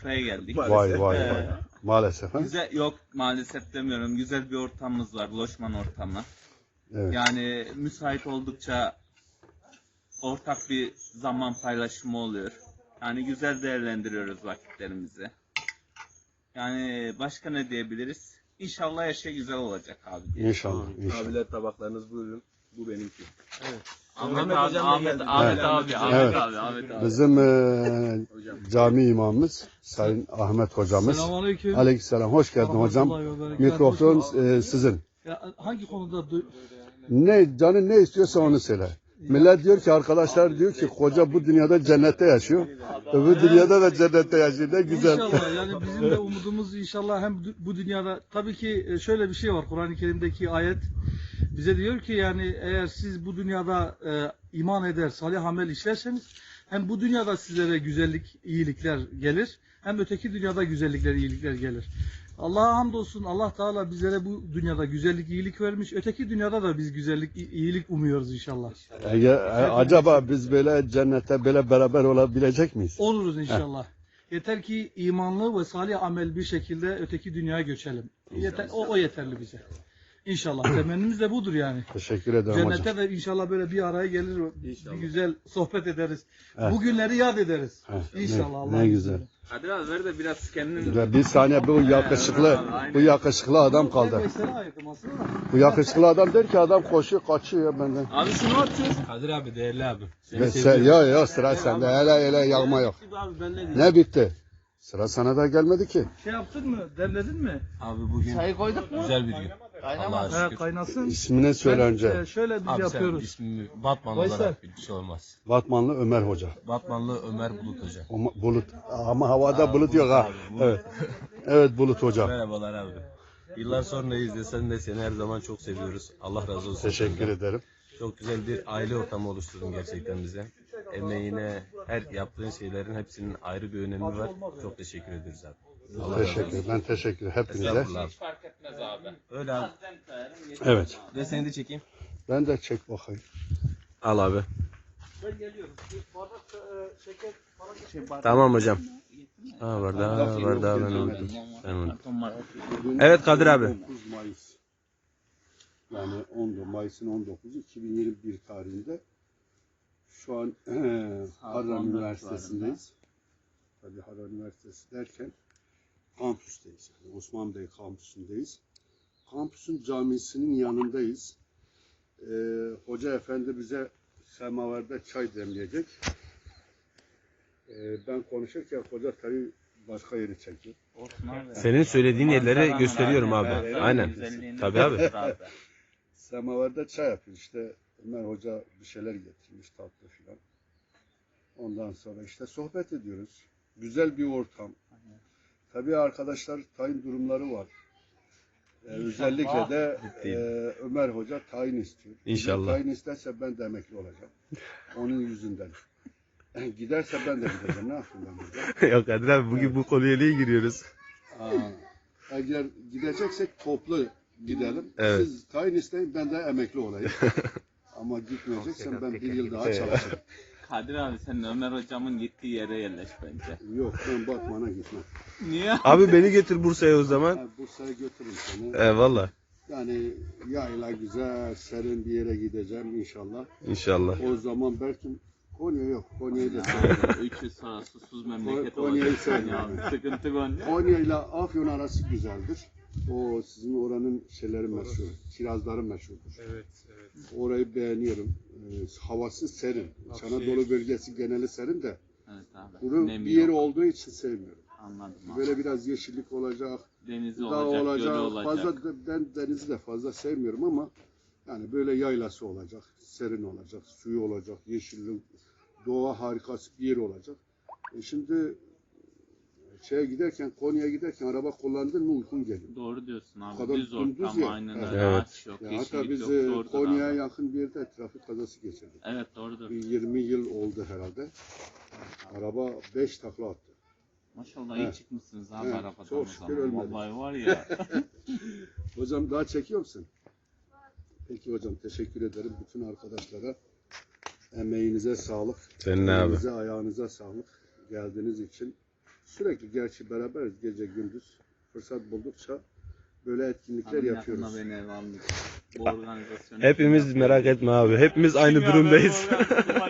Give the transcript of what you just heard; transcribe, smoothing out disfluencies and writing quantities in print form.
sofraya geldik. Vay vay vay. Maalesef ha? Güzel, yok maalesef demiyorum. Güzel bir ortamımız var. Loşman ortamı. Evet. Yani müsait oldukça ortak bir zaman paylaşımı oluyor. Yani güzel değerlendiriyoruz vakitlerimizi. Yani başka ne diyebiliriz? İnşallah her şey güzel olacak abi diye. İnşallah. İnşallah. Abiler tabaklarınız buyurun. Bu benimki. Ahmet Ahmet abi, hocam da Ahmet, geldi. Ahmet Evet. abi, Ahmet Evet. abi, Ahmet abi. Bizim cami imamımız Sayın Ahmet hocamız. Selamünaleyküm. Aleykümselam. Hoş geldin hocam. Rahmetullahi ve berekatuhu. Mikrofon sizin. Ya, hangi konuda Ne canın ne istiyorsa onu söyle. Millet diyor ki, arkadaşlar diyor ki koca bu dünyada cennette yaşıyor. Öbür dünyada da cennette yaşıyor. Ne güzel. İnşallah yani bizim de umudumuz inşallah hem bu dünyada tabii ki şöyle bir şey var Kur'an-ı Kerim'deki ayet bize diyor ki yani eğer siz bu dünyada iman eder, salih amel işlerseniz hem bu dünyada sizlere güzellik, iyilikler gelir hem öteki dünyada güzellikler, iyilikler gelir. Allah'a hamdolsun Allah Teala bizlere bu dünyada güzellik, iyilik vermiş. Öteki dünyada da biz güzellik, iyilik umuyoruz inşallah. Acaba biz böyle cennette böyle beraber olabilecek miyiz? Oluruz inşallah. Yeter ki imanlı ve salih amel bir şekilde öteki dünyaya göçelim. Yeter, o yeterli bize. İnşallah. Temennimiz de budur yani. Teşekkür ederim hocam. Cennette de inşallah böyle bir araya gelir, İnşallah. bir güzel sohbet ederiz. Evet. Bu günleri yad ederiz. Evet. İnşallah. Ne Allah'ın güzel. izniyle. Hadi abi ver de biraz kendini... Ya bir saniye bu yakışıklı adam kaldı. Mesela ayırdım aslında. Bu yakışıklı adam der ki adam koşuyor kaçıyor ya benden. Abi şunu atıyor. Kadir abi değerli abi. Ya sıra sende hele yağma yok. Abi ben ne diyeyim? Ne bitti? Sıra sana da gelmedi ki. Şey yaptın mı? Demledin mi? Abi bugün Çayı koyduk mu? güzel bir gün. Allah'a He, şükür. kaynasın. İsmini söyle önce. Şöyle biz Abi yapıyoruz. sen ismimi Batman Veysel. olarak bir şey olmaz. Batmanlı Ömer Hoca. Batmanlı Ömer Bulut Hoca. Bulut. Ama havada bulut yok ha. Bulut. Evet. Evet Bulut Hoca. Merhabalar abi. Yıllar sonra izlesen de seni her zaman çok seviyoruz. Allah razı olsun. Teşekkür senden. ederim. Çok güzel bir aile ortamı oluşturdun gerçekten bize. Emeğine, her yaptığın şeylerin hepsinin ayrı bir önemi var. Çok teşekkür ederiz abi. Allah razı Teşekkür. olsun. Ben teşekkür hepinize. Estağfurullah. Hiç fark etmez abi. Öyle abi. Evet. Ve seni de çekeyim. Ben de çek bakayım. Al abi. Ben geliyorum. Bir bardak şeker, Tamam hocam. Ha bardağı ben unuttum. Ben unuttum. Evet Kadir abi. 9 Mayıs. Yani 10 Mayıs'ın 19'u 2021 tarihinde şu an Harran Üniversitesi'ndeyiz. Tabii Harran Üniversitesi derken kampüsteyiz. Yani Osman Bey kampüsündeyiz. Kampüsün camisinin yanındayız. Hoca efendi bize semaverde çay demleyecek. Ben konuşurken hoca tabii başka yeri çekiyor. Senin söylediğin yerleri gösteriyorum abi. Aynen. Tabii abi. Semaver'de çay yapıyor işte. Ömer Hoca bir şeyler getirmiş tatlı filan. Ondan sonra işte sohbet ediyoruz. Güzel bir ortam. Tabii arkadaşlar tayin durumları var. Özellikle de Ömer Hoca tayin istiyor. İnşallah. Tayin isterse ben de emekli olacağım. Onun yüzünden. Giderse ben de gideceğim. Ne yapayım ben burada? Yok Kadir abi bugün bu konuya niye giriyoruz? Eğer gideceksek toplu gidelim. Evet. Siz tayin isteyin ben de emekli olayım. Ama gitmeyeceksem ben bir yıl daha çalışırım. Kadir abi sen Ömer hocamın gittiği yere yerleş bence. Yok ben Batman'a gitmem. Niye? Abi beni getir Bursa'ya o zaman. Ben Bursa'ya götürürüm seni. Valla. Yani yayla güzel, serin bir yere gideceğim inşallah. İnşallah. O zaman belki Konya yok. Konya'yı da seviyorum. 300 sonra susuz memleket Konya'yı olacak. sevmiyorum. Sıkıntı Konya. Konya ile Afyon arası güzeldir. O sizin oranın şeyleri meşhur. Kirazları meşhurdur. Evet. Orayı beğeniyorum. Havası serin. İç Anadolu bölgesi geneli serin de. Evet abi. Bunun Nemi bir yeri yok. olduğu için sevmiyorum. Anladım abi. Böyle biraz yeşillik olacak. Denizi Dağ olacak, olacak. gölü olacak. Ben denizi de fazla sevmiyorum ama yani böyle yaylası olacak. Serin olacak. Suyu olacak. Yeşillik. Doğa harikası bir yer olacak. Şimdi Konya'ya giderken araba kullandın mı uykun geliyor. Doğru diyorsun abi. Kadar Düz dümdüz ortam ya. aynen Evet. öyle. Ağaç yok, Ya hatta yeşillik biz yok. Doğrudur Konya'ya abi. yakın bir yerde trafik kazası geçirdik. Evet doğrudur. Bir 20 yıl oldu herhalde. Araba 5 takla attı. Maşallah iyi Evet. çıkmışsınız abi Evet, arabadan çok o şükür zaman. ölmedim. Vallahi var ya. Hocam daha çekiyor musun? Peki hocam teşekkür ederim bütün arkadaşlara. Emeğinize sağlık. Senin abi. Elinize, ayağınıza sağlık. Geldiğiniz için Sürekli gerçi beraberiz gece gündüz. Fırsat buldukça böyle etkinlikler Hanım yapıyoruz. yakında beni ev almış. Bu organizasyonu Hepimiz merak etme abi. Hepimiz aynı durumdayız.